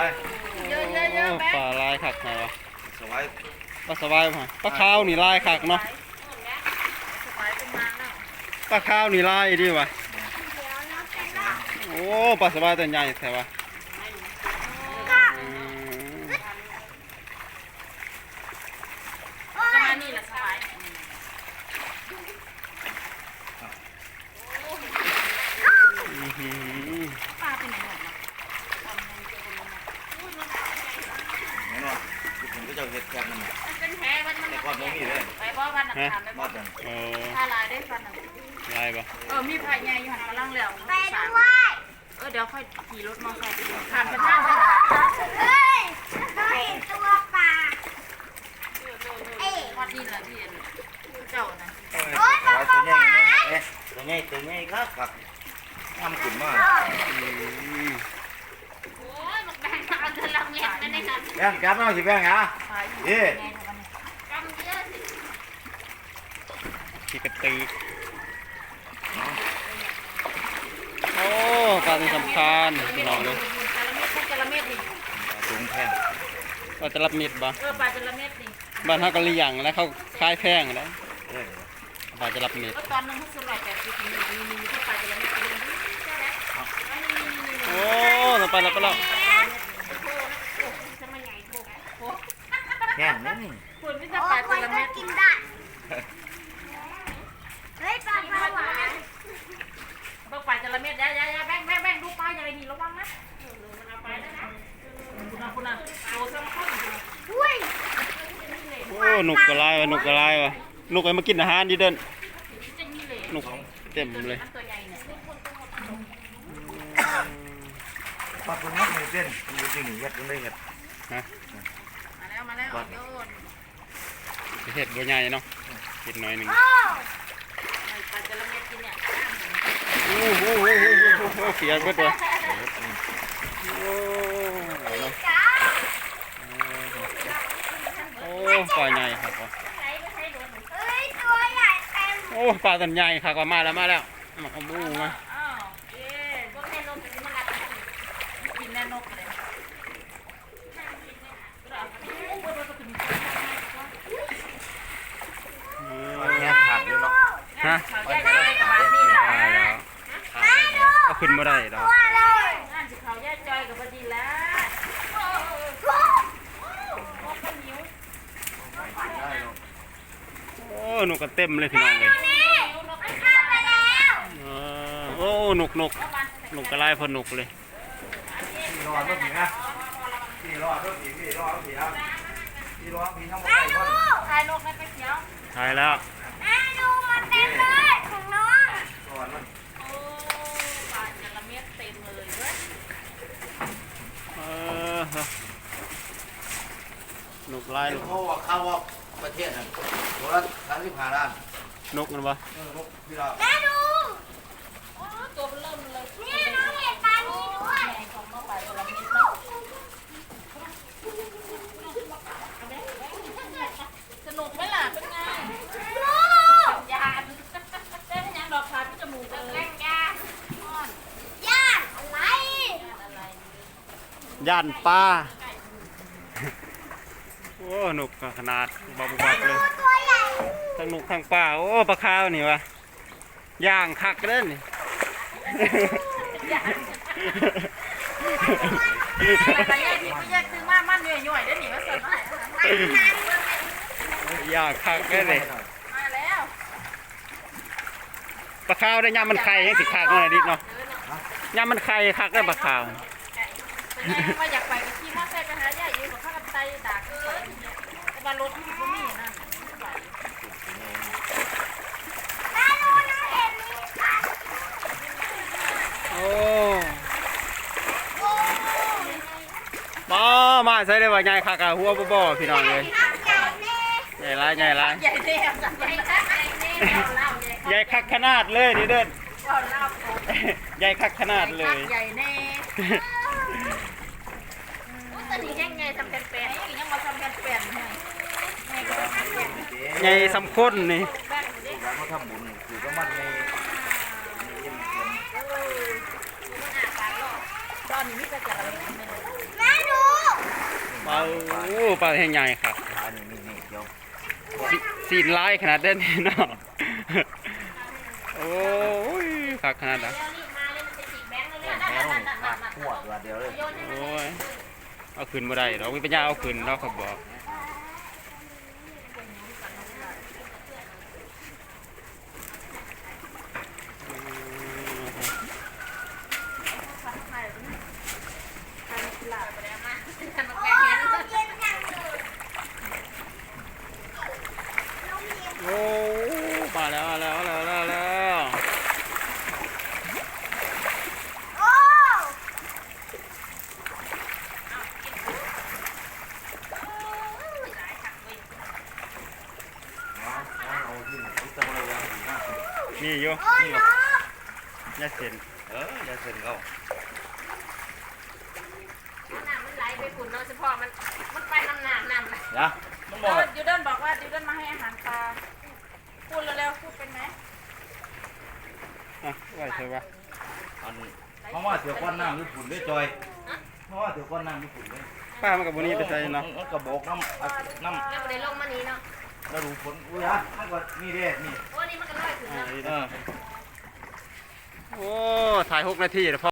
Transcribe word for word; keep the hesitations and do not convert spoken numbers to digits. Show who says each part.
Speaker 1: เยอะเยอะเยอะแม่
Speaker 2: ปลาลายขักไงวะ
Speaker 3: สบาย
Speaker 2: ปลาสบายมั้ยปลาขาวนี่ลายขักเนาะปลาขาวนี่ลายดีวะโอ้ปลาสบายตัวใหญ่แท้วะ
Speaker 1: ประมาณนี้แหละสบายปลาเป็นไหนหมดนะ
Speaker 3: แน่นอนคุณก็จะเห็ดแกงมัน
Speaker 1: เป็นแผลมันมัน
Speaker 3: แต่ก่อนไม่มีเลย
Speaker 1: ไปบ่บ้านหนักถามไปบ่
Speaker 3: บ้าน
Speaker 2: โอ้
Speaker 1: ถ้าลายได้ฟันหนัก
Speaker 2: ลายปะ
Speaker 1: เออมีไผ่ใหญ่อยู่หันกำลังแล้วไปด้วย เออเดี๋ยวค่อยขี่รถมอเตอร์ไซค์ไปดูผ่านไปทางไปเฮ้ยเฮ้ยตัวปลาเอ้วัดนี่แหละที่เจ้านะ
Speaker 3: โอ้ยตัวใหญ่ตัวใหญ่ตัวใหญ่ครับครับทำขุ่นมาก
Speaker 1: โอ้ยมันแบ่งเอาเธอละเมียนั่นเองค่ะ
Speaker 3: แบ่งจับน้องสิแบ่งฮะนี่
Speaker 1: กำเยอะสิ
Speaker 2: ขี้กระตือโอ้ปลาที่สำคัญพี่น้องเลย
Speaker 1: ปลาจระเม็ดนี่
Speaker 3: ถุงแพง
Speaker 2: ปลาจระเม็ดบ่
Speaker 1: เออปลาจระเม็ดนี่
Speaker 2: บ้านเขาก็เลี้ยงแล้วเขาคายแพงแล้วปลาจระเม็ด
Speaker 1: ตอนนึงเขาสลายแต่ปีนี้มีมีมีปลาจระเม็ดนี่ใช่ไหม
Speaker 2: โอ้เราไปแล้วไปแล้ว
Speaker 3: แห้งนั่นนี่
Speaker 1: คุณไม่จะปลาจระเม็ดกินได้เฮ้ยปลาปลาหวานต้องปลาจระเม็ดยายายาแบ่งแบ่งแบ่งดูปลาอย่างไรนี่ระวังนะมันเอาไปแล้วนะคุณนะคุณนะโตซ้ำข้นอุ้ย
Speaker 2: โอ้หนุกกระไรวะหนุกกระไรวะหนุกไปมากินอาหารดีเด่นหนุกเต็มเลย
Speaker 3: ปลาตัวนี้เด่นมันจริงเห็ดมันได้เห็ด
Speaker 2: ฮะ
Speaker 1: มาแล้วมาแล้วโยน
Speaker 2: เห็ดบัวใหญ่เนาะเห็ดน้อยหนึ่ง
Speaker 1: ปลาจระเม็ดกินเนี่ย
Speaker 2: โอ้โหเสียก็ตัวโอ้โอ้ปลาใหญ่ครับโอ้ปลาตัวใหญ่ครับมาแล้วมาแล้วมาเอาบูมา
Speaker 1: กินแน่นกเลย
Speaker 3: แง่ขาดเลยเนาะ
Speaker 2: ฮะก็ขึ้นมาได้ดอก
Speaker 1: นั่นสิเขาแย่จอยกับพอดีแล้ว
Speaker 2: โอ้หนุกกันเต็มเลยพี่น้องเลยโอ้หนุกหนุกหนุกกระไรพอหนุกเลย
Speaker 3: รอดรถผีนะพี่รอดรถผีพี่รอดรถผีครับพี่รอดผีทั้งหมดเลย
Speaker 1: ถ่ายนกให้ไปเขียว
Speaker 2: ถ่ายแล้ว
Speaker 1: แม่ดูมันเต็มเลยของน้อง
Speaker 3: รอดมัน
Speaker 1: โอ้ปลาจระเม็ดเต็มเลยเว้ย
Speaker 2: เออหนุกไล่ลูก
Speaker 3: เขาว่าเขาว่าประเทศนั้นตัวละสามสิบห้าล้าน
Speaker 2: นกกันปะ
Speaker 3: นกพี่เรา
Speaker 1: แม่ดูโอ้ตัวเริ่มเลยนี่น้องเห็นปลานี้ด้วยของน้องปลาจระเม็ดเนาะสนุกไหมล่ะเป็นไงยานเต้นยังดอกขาที่จมูกเลยยานยานอะไร
Speaker 2: ย่านปลาโอ้หนุกขนาดบาบุบักเลยทั้งหนุกทั้งปลาโอ้ปลาขาวนี่วะย่างคักเล่นนี่
Speaker 1: แต่ยายพี่ก็แยกซื้อมามันเหนื่อยหน่อยได้หนิว่าสด
Speaker 2: ย่างคักเล่นเลย
Speaker 1: มาแล้ว
Speaker 2: ปลาขาวได้ย่ามันไข่ยังสิคักหน่อยดิเนาะย่ามันไข่คักได้ปลาขาว
Speaker 1: ว่าอยากไปขี่มอเตอร์ไซค์ไปหายายอยู่กับข้ากับไตด่าก็แต่ว่ารถที่ก็มีนั่น
Speaker 2: โอ้มามาใส่ได้ว่าใหญ่คักอะหัวบ่ๆพี่น้องเลยใหญ่ไรใหญ่ไร
Speaker 1: ใหญ่เด้อใหญ่คัก
Speaker 2: ใหญ่คักขนาดเลยดิเด่นใหญ่คักขนาดเลย
Speaker 1: ใหญ่แน่ตอนนี้ยังไงทำเป็นแปลนยังมาทำเป็นแปลน
Speaker 2: ใหญ่สำคัญนี่
Speaker 3: เขาทำบุญคือก็มันใน
Speaker 1: ตอนนี้มีแต่จะอะไรแม่ดู
Speaker 2: โอ้ปลาแห้งใหญ่ครับ
Speaker 3: ปลานี่นี่นี่เดี๋ยว
Speaker 2: สิสีนลายขนาดเด่นนี่เนาะโอ้ยคักขนาดนั้น
Speaker 1: เร็วรีบมาเลยมันจะจิกแบงค์เลย
Speaker 3: แห
Speaker 1: นั่
Speaker 3: วน
Speaker 1: นั่น
Speaker 3: นี่
Speaker 1: นั่น
Speaker 3: มา
Speaker 1: นั่น
Speaker 3: ขวดตัวเดียวเลย
Speaker 1: โยนให้มัน
Speaker 2: โอ้ยเอาขึ้นบ่ได้เราไม่ปัญญาเอาขึ้นเราเขาบอกโอ้มาแล้วมาแล้วมาแล้วมาแล้วมาแล้ว
Speaker 3: เอาที่ไหนจะมาเลยยังนะ
Speaker 2: นี่อยู่นี่หรอยาเส้น
Speaker 3: เอออย่าเซ็นเขา
Speaker 1: น้ำมันไหลไปขุ่นเนาะเฉพาะมันมันไปน้ำน้ำน้ำ
Speaker 3: อย่ามันบอก
Speaker 1: ยูเดินบอกว่ายูเดินมาให้อาหารปลาพูดเร็วๆพูดเป็นไหม
Speaker 2: อ่ะไหวเถอะวะ
Speaker 3: อันเพราะว่าเดี๋ยวก้อนน้ำญี่ปุ่นด้วยจอยเพราะว่าเดี๋ยวก้อนน้ำญี่ปุ่นด้วย
Speaker 2: ป้ามันกับบนี้ไปใส่เนาะ
Speaker 3: มันกระบอกน้ำอ่ะน้ำ
Speaker 1: แล้วก็ได้ลงมานี้เนาะ
Speaker 3: แล้วดูฝนอุ้ยฮะมันก็นี่เด้นี่
Speaker 1: โอ้นี่มันก็ลอยถึง
Speaker 2: อ่า
Speaker 1: เนาะ
Speaker 2: ดี
Speaker 3: เอ
Speaker 2: นะ
Speaker 3: อ
Speaker 2: โอ้ถ่ายหกนาทีแล้วพอ